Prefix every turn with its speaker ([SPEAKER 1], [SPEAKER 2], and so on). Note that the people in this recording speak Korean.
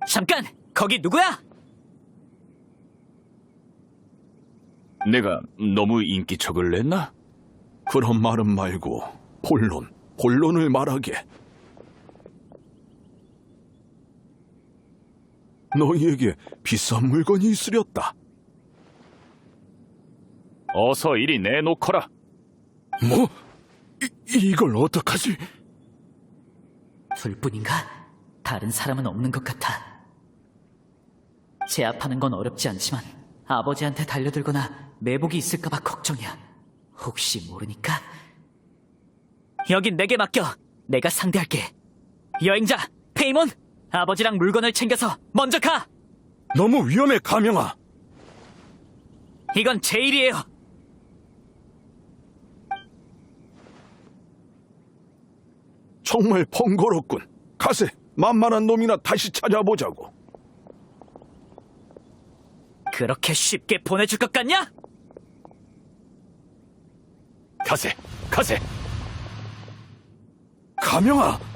[SPEAKER 1] 잠깐! 거기 누구야?
[SPEAKER 2] 내가 너무 인기척을 냈나?
[SPEAKER 3] 그런 말은 말고 본론을 말하게. 너희에게 비싼 물건이 있으렸다.
[SPEAKER 2] 어서 이리 내놓거라.
[SPEAKER 3] 뭐? 이걸 어떡하지?
[SPEAKER 1] 둘뿐인가? 다른 사람은 없는 것 같아. 제압하는 건 어렵지 않지만 아버지한테 달려들거나 매복이 있을까봐 걱정이야. 혹시 모르니까. 여긴 내게 맡겨. 내가 상대할게. 여행자, 페이몬! 아버지랑 물건을 챙겨서 먼저 가!
[SPEAKER 3] 너무 위험해, 가명아.
[SPEAKER 1] 이건 제 일이에요.
[SPEAKER 3] 정말 번거롭군. 가세, 만만한 놈이나 다시 찾아보자고.
[SPEAKER 1] 그렇게 쉽게 보내줄 것 같냐?
[SPEAKER 2] 가세, 가세.
[SPEAKER 3] 가명아!